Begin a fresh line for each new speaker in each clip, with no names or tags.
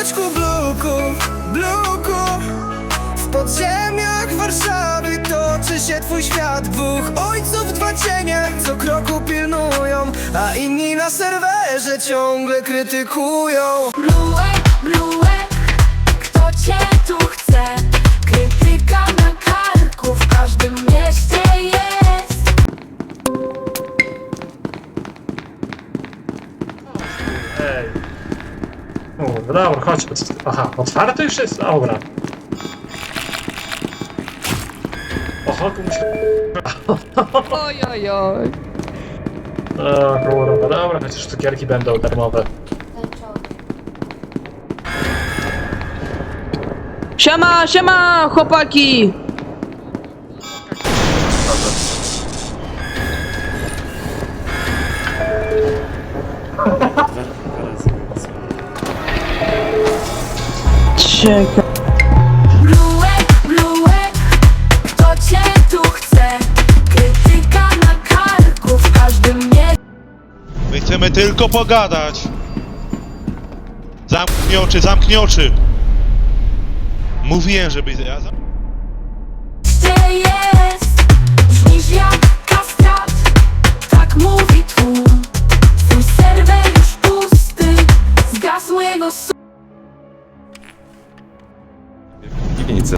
miasteczku Bluku. W podziemiach Warszawy toczy się twój świat. Dwóch ojców, dwa cienie, co kroku pilnują, a inni na serwerze ciągle krytykują.
Bluek, kto cię tu chce? Krytyka na karku w każdym mieście jest.
Ej. O, dobra, chodź. Aha, otwarte już jest? Dobra. Oho, tu muszę...
Oj.
O kurwa, dobra, chociaż cukierki będą darmowe.
Siema, chłopaki! Czekaj.
Bluek, kto cię tu chce? Krytyka na karku w każdym mieście.
My chcemy tylko pogadać. Zamknij oczy. Mówiłem, żeby...
Jest, brzmisz jak kastrat, tak mówi tłum. Twój serwer już pusty, zgasł jego
Piwnicę.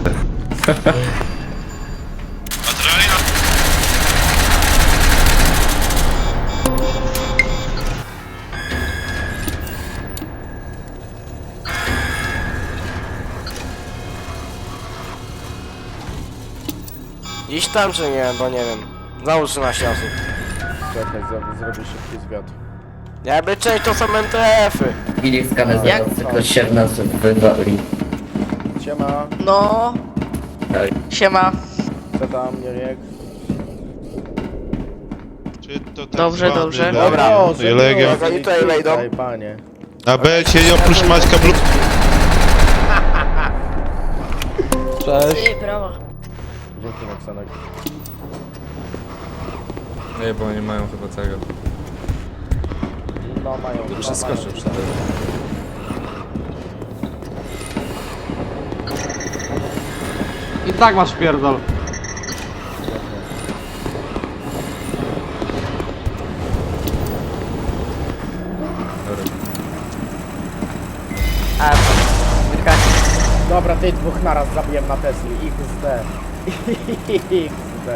Iść tam czy nie, bo nie wiem. Załóż 13 osób.
Czekaj, zrobię szybki zwiat.
Jakby część to są MTF-y.
Chwili skaner
Jak
zaraz tylko się w nas wywali.
Siema,
No.
Tak.
Siema.
co tam, Jurek?
Czy to tak
Dobrze,
zwany
dobrze.
Dobra.
Legion.
Jak oni tutaj wejdą?
Daj, panie.
Na belcie i oprócz Maćka Blu...
Dzięki, Maksanek.
Nie, bo oni mają chyba tego.
No, mają.
Przeskoczył wtedy.
I tak masz pierdol.
Dobra, tych dwóch naraz zabiłem na Tesli. XD. XD.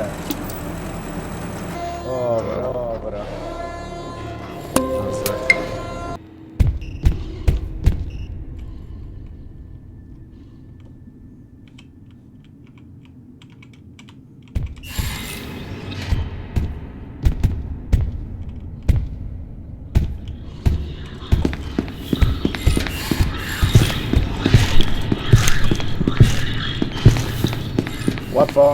Dobra. Łatwo.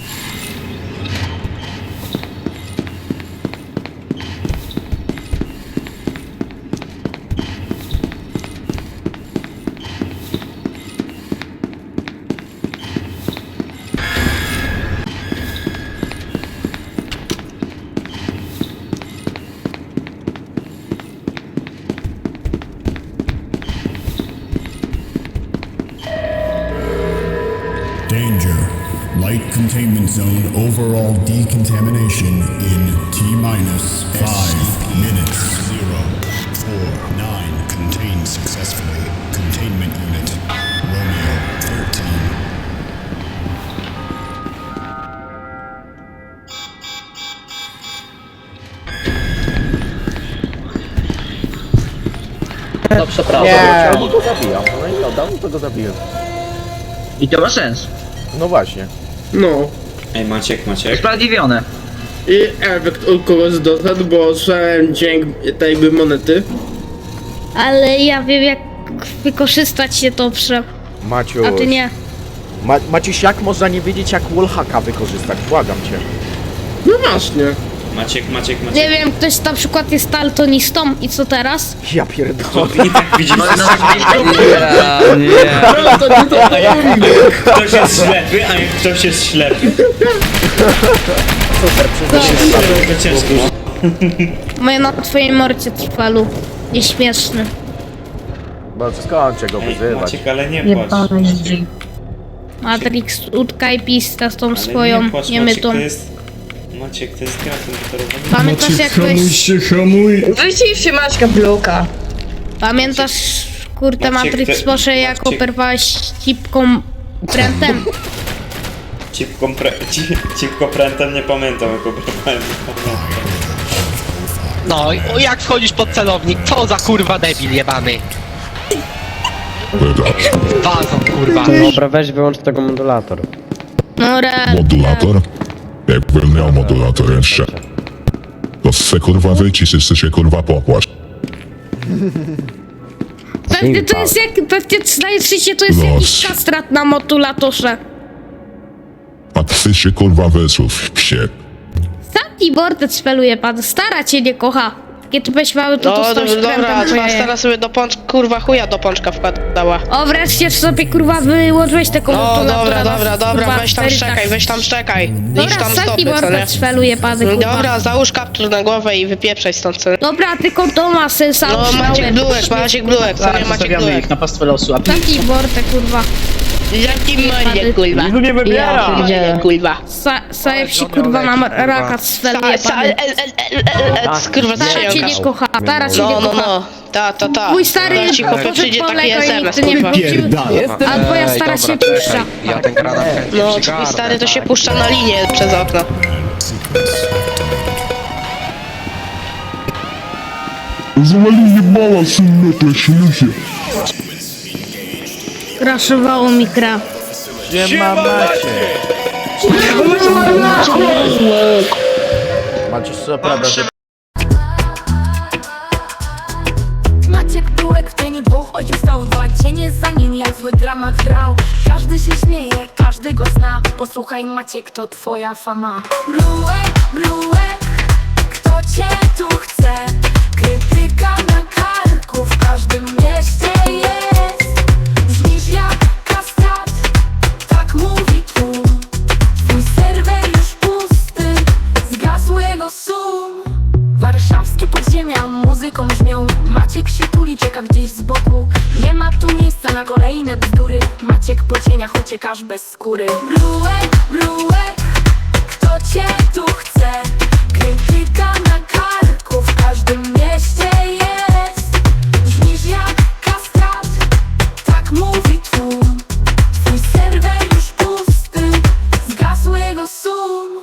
Danger. Light containment zone overall decontamination in T-minus 5 minutes. 049 contained successfully. Containment unit. Romeo 13.
No przepraszam.
Nie, no to zabijam. No i oddam, to go zabiję.
I to ma sens.
No właśnie.
No.
Ej, Maciek.
Sprawiedliwione.
I efekt u kogoś doszedł, bo słyszałem dźwięk tej jakby monety.
Ale ja wiem jak wykorzystać się dobrze,
Maciuś.
a ty nie.
Maciuś, jak można nie wiedzieć, jak wallhacka wykorzystać? Błagam cię.
No właśnie.
Maciek.
Nie wiem, ktoś na przykład jest daltonistą i co teraz?
Ja pierdolę.
I tak widzisz,
No,
ktoś jest ślepy, a ktoś jest ślepy.
Super,
To ciężko.
Moje na twojej morcie trwalu. Nieśmieszny.
Bo skończę go
Ej,
wyzywać.
Maciek, ale nie płacz.
Matrix, utkaj pista z tą
Ale
swoją,
nie płacz,
nie my
Maciek,
tą.
to jest... Maciek, to jest gra komputerowa.
Pamiętasz jak weź...
hamuj!
Wyciście Maćka Bluka.
Pamiętasz, kurde,
Maciek,
Matrix
ty-
Posze, jak
Maciek.
operowałeś cipką prętem?
Cipko prętem nie pamiętam, jak obrywałem.
No, jak wchodzisz pod celownik? Co za kurwa debil jebany? Wazon kurwa.
Dobra, weź wyłącz tego modulator.
No real.
Modulator? Jakbym miał modulator jeszcze. To se kurwa wycisz, jeszcze się kurwa popłacz.
Pewnie to jest jak, pewnie najczęściej to jest jakiś kastrat na modulatorze.
A ty się kurwa wysłów, psie.
Taki bordet speluje pan, stara cię nie kocha. Kiedy byś mały, to dostałeś prętem po jaje.
sobie do pączka, kurwa chuja do pączka wkładała.
O, wreszcie sobie kurwa wyłożyłeś tego modulatora.
weź tam szczekaj.
Dobra, taki bordet speluje pan, kurwa.
załóż kaptur na głowę i wypieprzaj stąd.
Dobra, tylko to ma sensa.
Maciek Bluek, co nie Maciek Bluek. Na pastwę losu, a
Taki bordet, kurwa.
jaki mordzie kurwa.
Nikt nie wybiera!
Kurwa.
Sajeb się kurwa na raka speluje pan.
Kurwa,
Stara cię nie kocha, stara cię nie kocha.
Ta.
Twój stary poszedł po Lego i nikt nie wrócił, a twoja stara się puszcza.
No, twój stary to się puszcza na linię przez okno.
Zawali jebała, synne, śmiecie.
Kraszowało mi gra.
Siema Macie! Macie co prawda, że
Maciek Bluek w cieniu dwóch ojców stał dwa cienie za nim jak zły dramat grał. Każdy się śmieje, każdy go zna. Posłuchaj Maciek, to twoja fama. Bluek, kto cię tu chce? Krytyka na karku w każdym mieście jest. Brzmisz jak kaskad, tak mówi tłum. Twój serwer już pusty, zgasł jego sum. Warszawskie podziemia muzyką brzmią. Maciek się tuli, czeka gdzieś z boku. Nie ma tu miejsca na kolejne bzdury. Maciek po cieniach uciekasz bez skóry. Bluek, kto cię tu chce? Krytyka na karku w każdym mieście jest. Brzmisz jak kaskad, tak mówi tłum. Twój serwer już pusty, zgasł jego sum.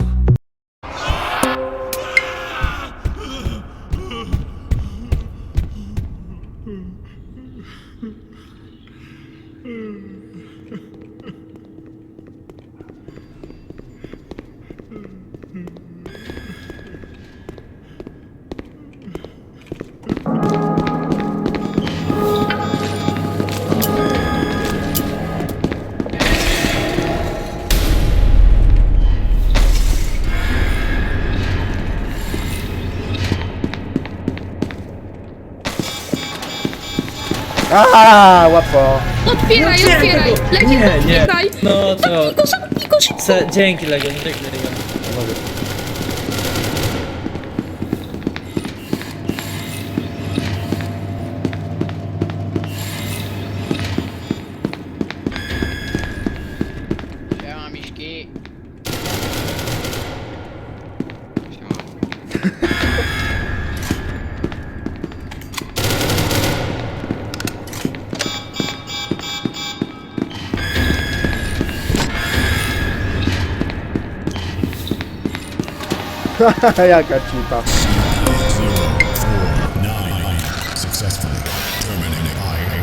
Aha, łatwo.
Otwieraj! Otwieraj!
No to...
Zamknij go szybko!
Dzięki Legion, dzięki Legion.
Siema miśki.
Jaka cipa.
9 successfully terminated.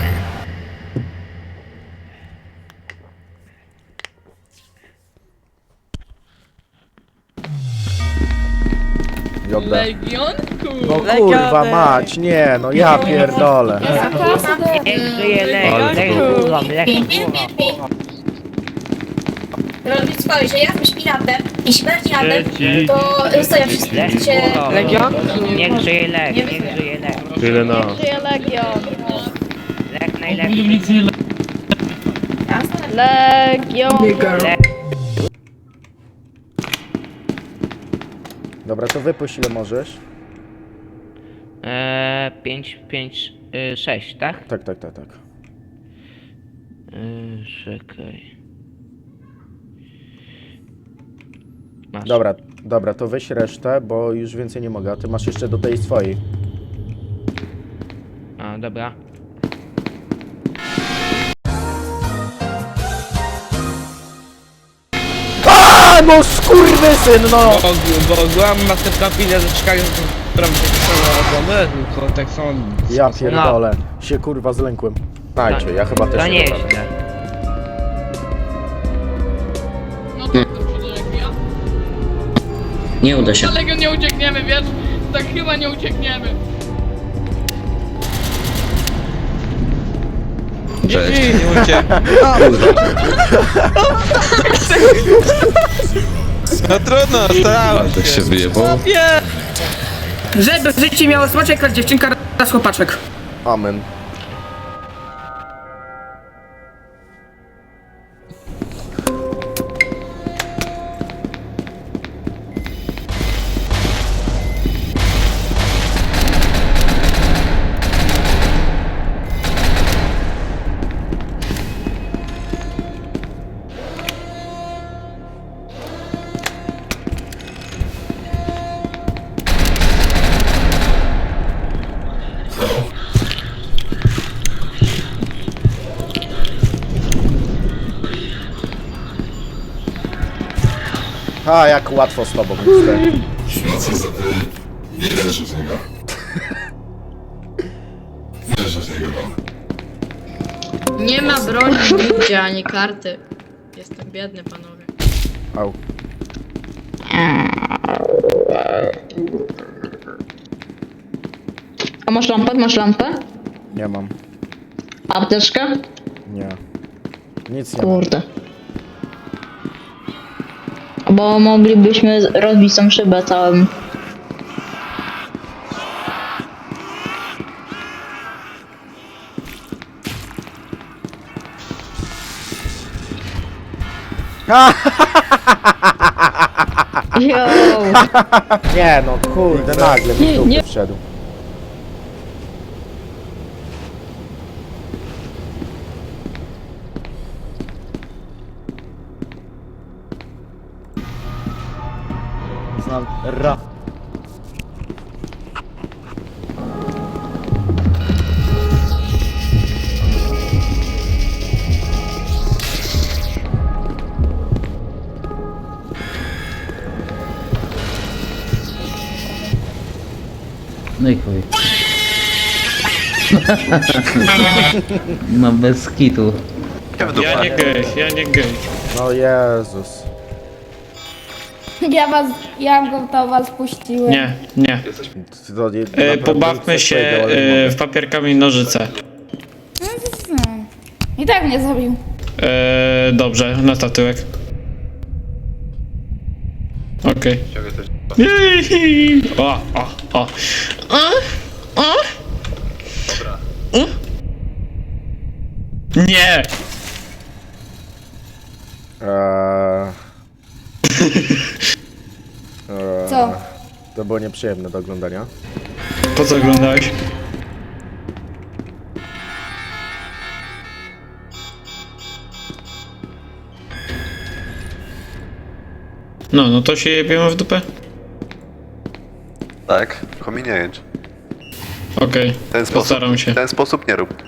No kurwa mać, nie, no ja pierdolę.
Robić swoje, że ja jestem piratem i śmierć piratem, to sobie wszyscy się...
Legion? Niech żyje Leg, niech żyje Leg.
Tyle no.
Żyje Legion.
Leg najlepszy.
Legion.
Dobra, to wypuść ile możesz.
5, 6, tak?
Tak.
Czekaj.
Dobra, to weź resztę, bo już więcej nie mogę, a ty masz jeszcze do tej swojej.
A, dobra.
A, no skurwysyn, no!
Bo byłam na tym kapile, że czekali, która mi się pisała, tylko tak są...
Ja pierdolę, się kurwa zlękłem. Dajcie, ja chyba też
To nie
dopadnę.
jest źle.
Nie uda się.
Ale nie uciekniemy, wiesz? Tak chyba nie uciekniemy.
No trudno, starałem
Tak się wyjebał.
Żeby w życiu miało smaczek, jak dziewczynka raz chłopaczek.
Amen. A, jak łatwo z tobą, mister.
Nie leży z niego. Leży z niego.
Nie ma broni nigdzie, ani karty. Jestem biedny, panowie.
Au.
A masz lampę? Masz lampę?
Nie mam.
Apteczkę?
Nie. Nic nie mam.
Kurde. Bo moglibyśmy rozbić tą szybę całym. Yo!
Nie no, kurde, nagle mi w dupę wszedł. Znam ra.
No i chuj. No bez kitu.
Ja nie gej.
No Jezus.
Ja go do was puściłem.
Nie.
To naprawdę
Pobawmy
coś
się
powiedział, ale nie mogę.
w papier, kamień, nożyce.
I tak mnie zabił.
Dobrze, na tyłek. Okej. Jej! O. Nie!
Co?
To było nieprzyjemne do oglądania.
Po co oglądałeś? No to się jebiemy w dupę?
Tak, kominie jęcz.
Okej, postaram się.
W ten sposób nie rób.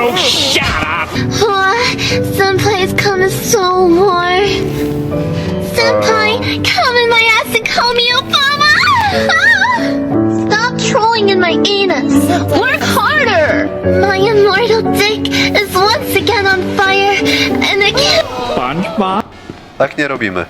Senpai is coming so more. Senpai, come in my ass and call me Obama! Stop trolling in my anus. Work harder. My immortal dick is once again on fire and I can't...
Tak nie robimy.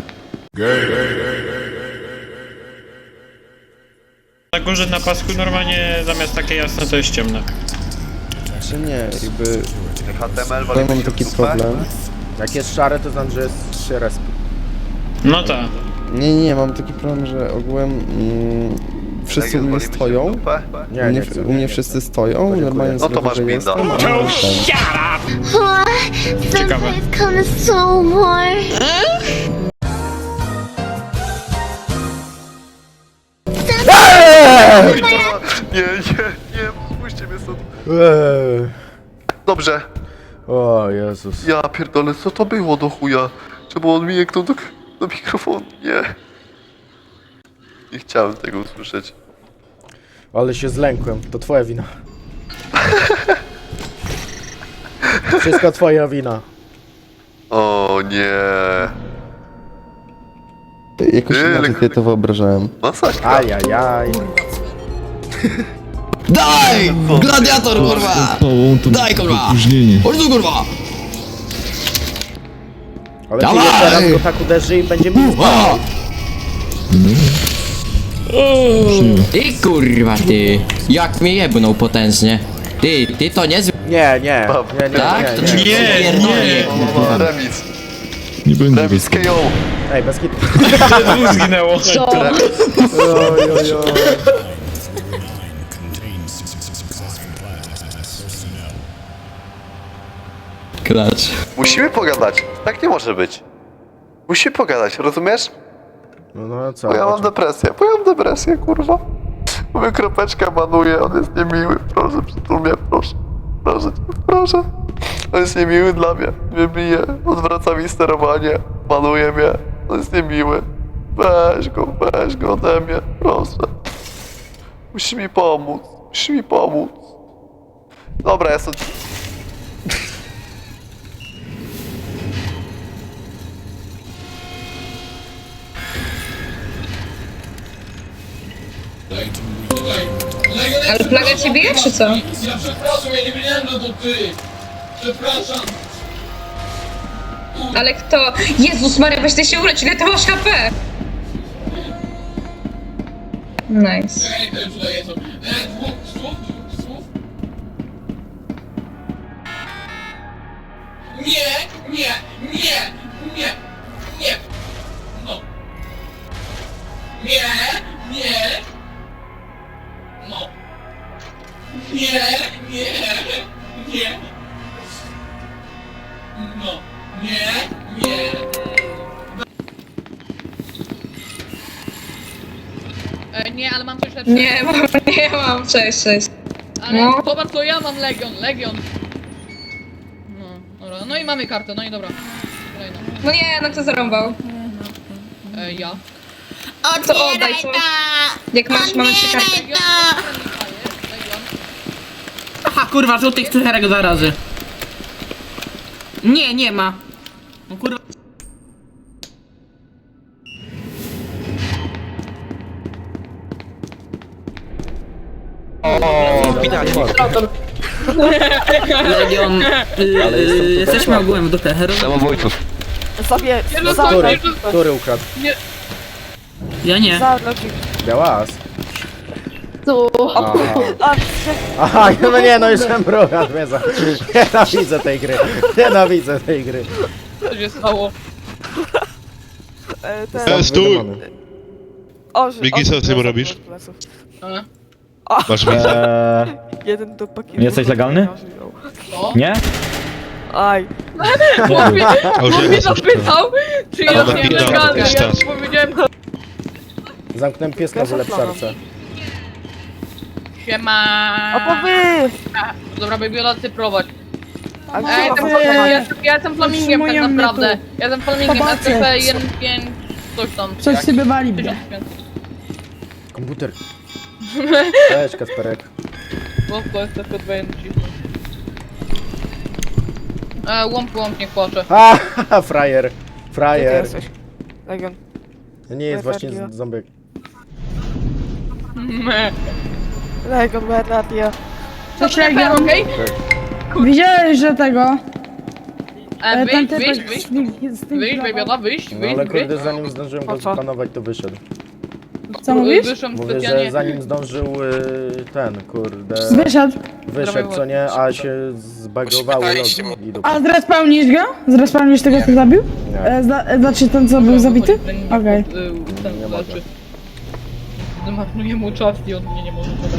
Na górze na pasku normalnie zamiast takie jasne to jest ciemne.
Czy nie, jakby...
HTML
Ja mam taki problem. Jak jest szare, to znaczy, że jest się respi.
No tak.
Nie, mam taki problem, że ogółem wszyscy u mnie stoją.
Nie,
U mnie wszyscy stoją, normalnie
No to masz
sobie
binda.
jestem,
Ciekawe.
Senpai is coming so more.
Nie, spójrzcie mnie stąd.
Eee.
Dobrze.
O Jezus.
Ja pierdolę, co to było do chuja? Czemu on mi jęknął do mikrofonu? Nie. Nie chciałem tego usłyszeć.
Ale się zlękłem, to twoja wina. Wszystko twoja wina.
O nie.
Jakoś inaczej sobie to wyobrażałem.
Masakra.
Ajajaj.
Daj! Gladiator, kurwa! Daj, kurwa! Chodź tu, kurwa!
Ale ty jeszcze raz go tak uderzy i będzie mi spał.
Ty, kurwa, ty! Jak mnie jebnął potężnie. Ty to niezły...
Nie.
Tak? To
Nie.
nie.
Remis.
Nie będzie
Remis KO.
Ej, bez kitu.
Zginęło.
Klacz.
Musimy pogadać. Tak nie może być. Musimy pogadać, rozumiesz?
No co?
Bo ja mam depresję, kurwa. Mówię, kropeczkę manuje, on jest niemiły. Proszę, przytul mnie, proszę. Proszę. On jest niemiły dla mnie. Mnie bije, odwraca mi sterowanie, manuje mnie. On jest niemiły. Weź go ode mnie, proszę. Musisz mi pomóc. Dobra, ja sobie...
Ale plaga cię bije, czy co?
Ja przepraszam, ja nie wiedziałem, że to ty. Przepraszam.
Ale kto? Jezus Maria, weź ty się ulecz, ile ty masz HP? Nice.
Tutaj jest to. Słów. Nie. No. Nie. No. Nie. No. Nie.
Nie, ale mam coś lepszego.
Nie mam, cześć.
Ale
no.
zobacz, to ja mam Legion. No, dobra. No i mamy kartę, no i dobra. Kolejna.
No nie, no kto zarąbał?
Ja.
To oddaj to. Jak masz, mamy 3 karty.
Legion.
Aha, kurwa, żółtych cyferek 2 razy. Nie ma. No kurwa. Legion, jesteśmy ogółem w dupę.
Samobójców.
Który ukradł?
Ja nie.
Białas. Aha, no nie, no już mruga zmierza. Nienawidzę tej gry.
Co się stało?
Stój! Miki, co ty robisz? Masz widzę.
Jesteś legalny? Nie?
On mnie zapytał, czy ja
Dobra,
nie
pizda,
legalny. Ja
dystans.
powiedziałem,
Zamknąłem pieska w ulepszarce.
siema. Dobra, Babyola, ty prowadź. Ja jestem flamingiem tak naprawdę. Ja jestem flamingiem, SCP 1.5, coś tam.
Coś sobie wali.
1500.
Komputer. Cześć, Kasperek.
Łąbko, SCP 2.1. Łąb nie płacze.
Haha, frajer.
Legion.
Nie jest właśnie ząbek.
Legion, Bernardia.
Cześć, Legion, okej?
Widziałeś, że tego...
Wyjść, Babyola, wyjść.
No ale kurde, zanim zdążyłem go zapanować, to wyszedł.
Co mówisz?
Wyszłam
Mówię,
specjalnie.
że zanim zdążył ten, kurde...
Wyszedł.
Co nie, a się zbagowały logi i
A zrespawnisz go? Zrespawnisz tego, co zabił?
Nie.
Znaczy ten, co był zabity? Okej.
Nie mogę.
Zmarnuję mu czas i on mnie nie może podać.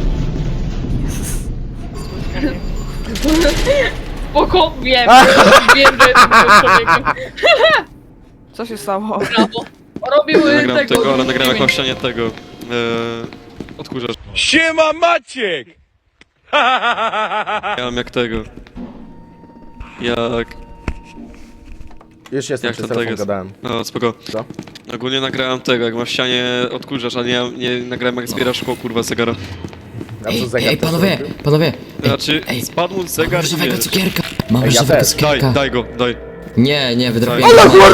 Spoko, wiem, że jestem tym człowiekiem.
Co się stało?
Brawo. Robił tego,
ale nagrałem jakąś ścianie tego. Odkurzacz.
Siema Maciek!
Ja mam jak tego. jak
Już jestem,
Jak
przez
ten
telefon
tekst?
gadałem.
No, spoko.
Co?
Ogólnie nagrałem tego, jak ma w ścianie odkurzacz, a nie nagrałem jak zbiera szkło, kurwa, zegara.
A co zegar
Ej,
też
panowie,
robił?
panowie.
Znaczy, spadł mu zegar i
Różowego
wiesz.
cukierka. Mam
Ej, ja
różowego
też.
cukierka.
Daj go, daj.
Nie, wydrobię.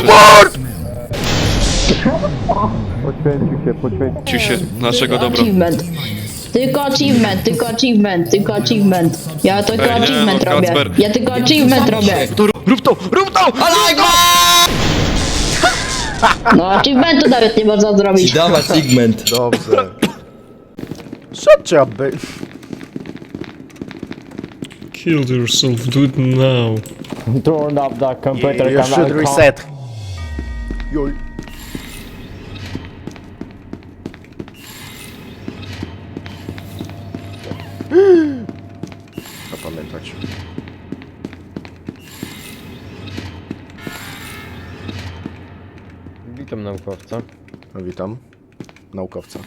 Ciu się, naszego dobra.
Achievement. Tylko achievement. Ja tylko
Ej, nie,
achievement
no,
robię.
Kacper.
Ja tylko achievement robię.
Rób to!
No achievementu nawet nie można zrobić.
Dawać segment.
Dobrze. Shut your bitch.
Kill yourself, do it now.
Turn up the computer. You should reset. Joj. Zapamiętać.
Witam naukowca.
Witam. Naukowca.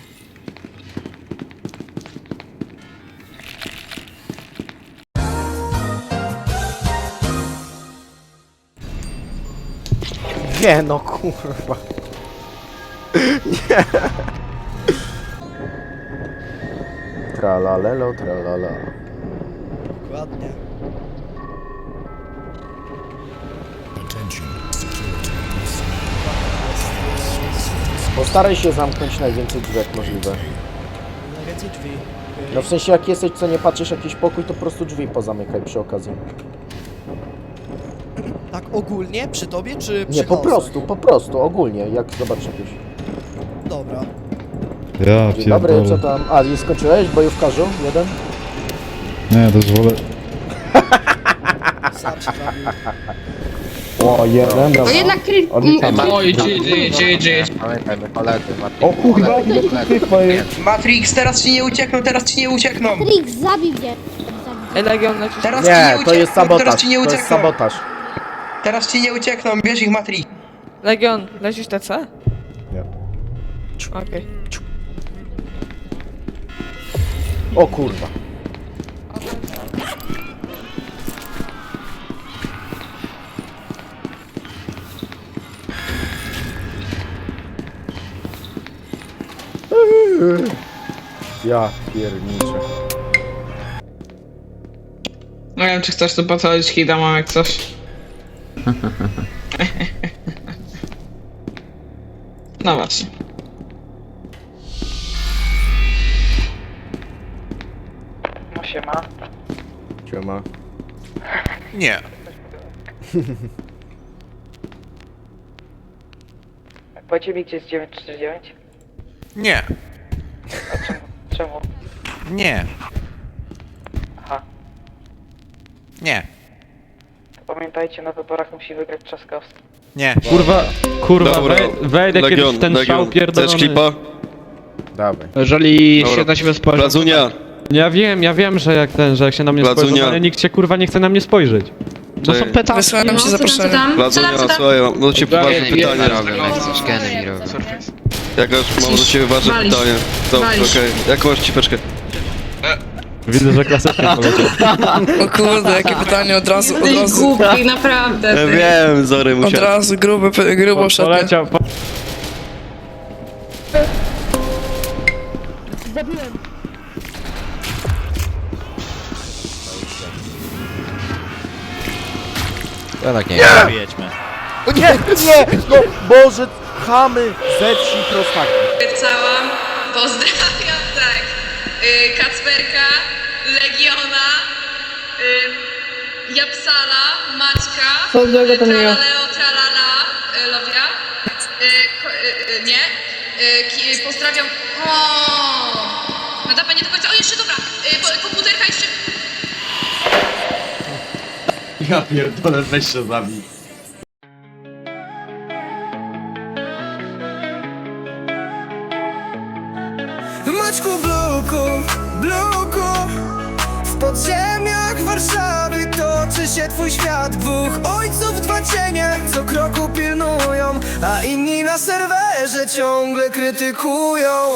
Nie no kurwa. Nie. Tralalelo, tralala.
Dokładnie.
Postaraj się zamknąć najwięcej drzwi jak możliwe.
Najwięcej drzwi.
No w sensie jak jesteś, co nie patrzysz jakiś pokój, to po prostu drzwi pozamykaj przy okazji.
Tak ogólnie? Przy tobie czy przy
Nie,
chaosach?
po prostu, ogólnie, jak zobaczysz jakieś.
Dobra.
Ja
Dzień dobry, co tam? A, nie skończyłeś? Bojówkarzu? Jeden?
Nie, dozwolę.
Sam się zabił.
O, jeden, dobra.
No jednak
Oj, GG.
Pamiętajmy, koledzy,
O kurwa, ile tych
Matrix, teraz ci nie uciekną.
Trix, zabij mnie.
Teraz
Nie, to jest sabotaż, to jest sabotaż.
Teraz ci nie uciekną, bierz ich Matrix.
Legion, lecisz TC?
Nie.
Okej.
O kurwa. Ja pierniczę.
Nie wiem, czy chcesz tu pocalić hita, mam jak coś. No właśnie.
No siema.
Siema.
Nie.
Powiedzcie mi, gdzie jest 949?
Nie.
Czemu?
Nie.
Aha.
Nie.
Pamiętajcie, na wyborach musi wygrać Trzaskowski.
Nie.
Kurwa,
Dobra,
wejdę kiedyś w ten szał
Chcesz
pierdolony.
klipa?
Dawaj.
Jeżeli
Dobra.
się na siebie spojrzy...
Plazunia.
Ja wiem, że jak się na mnie
Placunia.
spojrzy, ale nikt się kurwa nie chce na mnie spojrzeć.
No są pytania.
Wysłałem ci zaproszenie.
Plazunia, słuchaj, mam do ciebie ważne pytanie. Jakaż mam do ciebie ważne pytanie. Dobrze, okej. Jak masz cipeczkę?
Widzę, że klasycznie poleciał.
O kurde, jakie pytanie od razu.
Głupi, naprawdę.
Ja wiem, Zory musiał.
razu grubo
Poleciał.
O nie, nie! No Boże, chamy ze wsi prostaki.
Całam. Pozdrawiam, tak. Kacperka, Legiona, Japsala, Maćka, Tralaleo, Tralala, Lowia. Nie. Pozdrawiam. O! Nadapa nie do końca. O, jeszcze dobra. Komputerka jeszcze.
Ja pierdolę, weź się zabij.
Maćku Bluku, w podziemiach Warszawy toczy się twój świat. Dwóch ojców, dwa cienie, co kroku pilnują, a inni na serwerze ciągle krytykują.